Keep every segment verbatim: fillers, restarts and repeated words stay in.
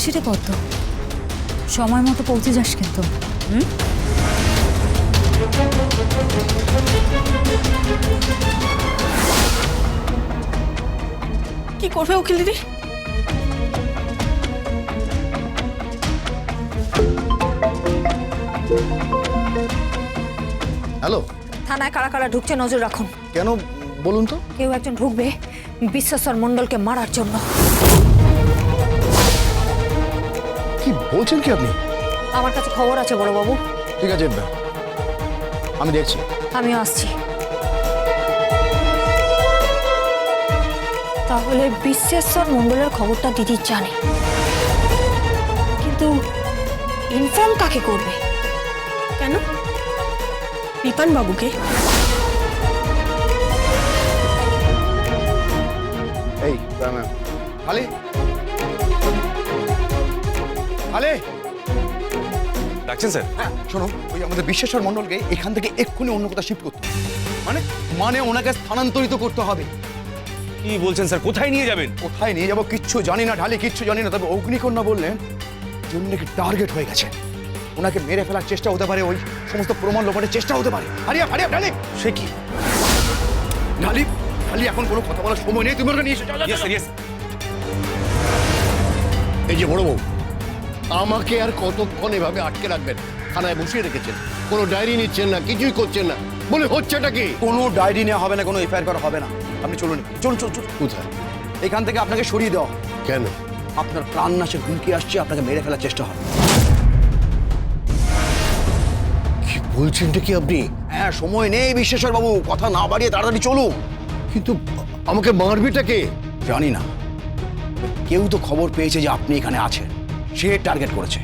আসি রে পদ্ম, সময় মতো পৌঁছে যাস কিন্তু। হুম? কি করবে উকিল দিদি? হ্যালো, থানায় কারা কারা ঢুকছে নজর রাখুন। কেন বলুন তো? কেউ একজন ঢুকবে বিশ্বেশ্বর মণ্ডলকে মারার জন্য। কি বলছেন কি আপনি? আমার কাছে খবর আছে বড়বাবু। ঠিক আছে, আমি দেখছি। আমিও আসছি। তাহলে বিশ্বেশ্বর মণ্ডলের খবরটা দিদি জানে, কিন্তু ইনফর্ম কাকে করবে? কেন? বিপান বাবুকে? এই খালি খালি ডাকছেন স্যার? হ্যাঁ শোনো, ওই আমাদের বিশ্বেশ্বর মণ্ডলকে এখান থেকে এক্ষুনি অন্য কোথাও শিফট করতে হবে। মানে মানে ওনাকে স্থানান্তরিত করতে হবে। কি বলছেন স্যার? কোথায় নিয়ে যাবেন? কোথায় নিয়ে যাবো কিচ্ছু জানি না ঢালি, কিচ্ছু জানি না। তবে অগ্নিকন্যা বললেন জন্য কি টার্গেট হয়ে গেছে, ওনাকে মেরে ফেলার চেষ্টা হতে পারে, ওই সমস্ত প্রমাণ লোপাটের চেষ্টা হতে পারে। হারিয়া হারিয়া ঢালি, সে কি? ঢালি ঢালি এখন কোনো কথা বলার সময় নেই, তুমি ওকে নিয়ে এসো। চলো, ইয়েস চলো। Sir, yes. এই যে বড় বউ, আমাকে আর কতক্ষণ এভাবে আটকে রাখবেন? থানায় বসিয়ে রেখেছেন, কোনো ডায়েরি নিচ্ছেন না, কিছুই করছেন না, বলে হচ্ছেটা কি? কোনো ডায়েরি নেওয়া হবে না, কোনো এফআইআর করা হবে না। আপনি চলুন, চলুন চলুন চলুন। কোথায়? এখান থেকে আপনাকে সরিয়ে দেওয়া হবে। কেন? আপনার প্রাণ নাশের হুমকি আসছে, আপনাকে মেরে ফেলার চেষ্টা হবে। কি বলছেনটা কি আপনি? হ্যাঁ, সময় নেই বিশ্বেশ্বর বাবু, কথা না বাড়িয়ে তাড়াতাড়ি চলুন। কিন্তু আমাকে মারবিটা কে? জানি না, কেউ তো খবর পেয়েছে যে আপনি এখানে আছেন, সে টার্গেট করেছে।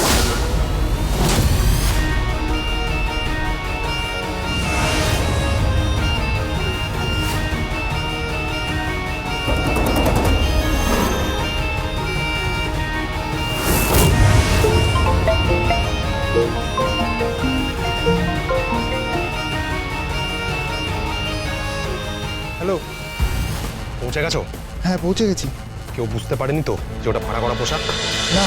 হ্যালো, পৌঁছে গেছো? হ্যাঁ পৌঁছে গেছি। কেউ বুঝতে পারেনি তো যে ওটা ভাড়া করা পোশাক? না,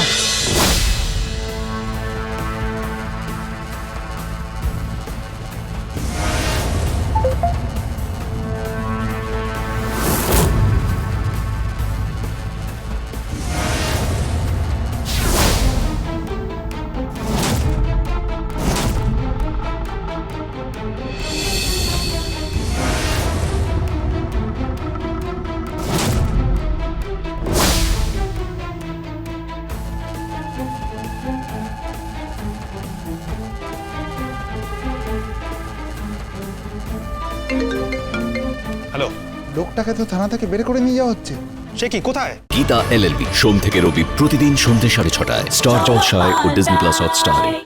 হ্যালো, লোকটাকে তো থানা থেকে বের করে নিয়ে যাওয়া হচ্ছে। সে কি? কোথায়? গীতা এলএলবি সোম থেকে রবি প্রতিদিন সন্ধ্যে সাড়ে ছটায় স্টার জলসায় ও ডিজনি প্লাস হটস্টারে।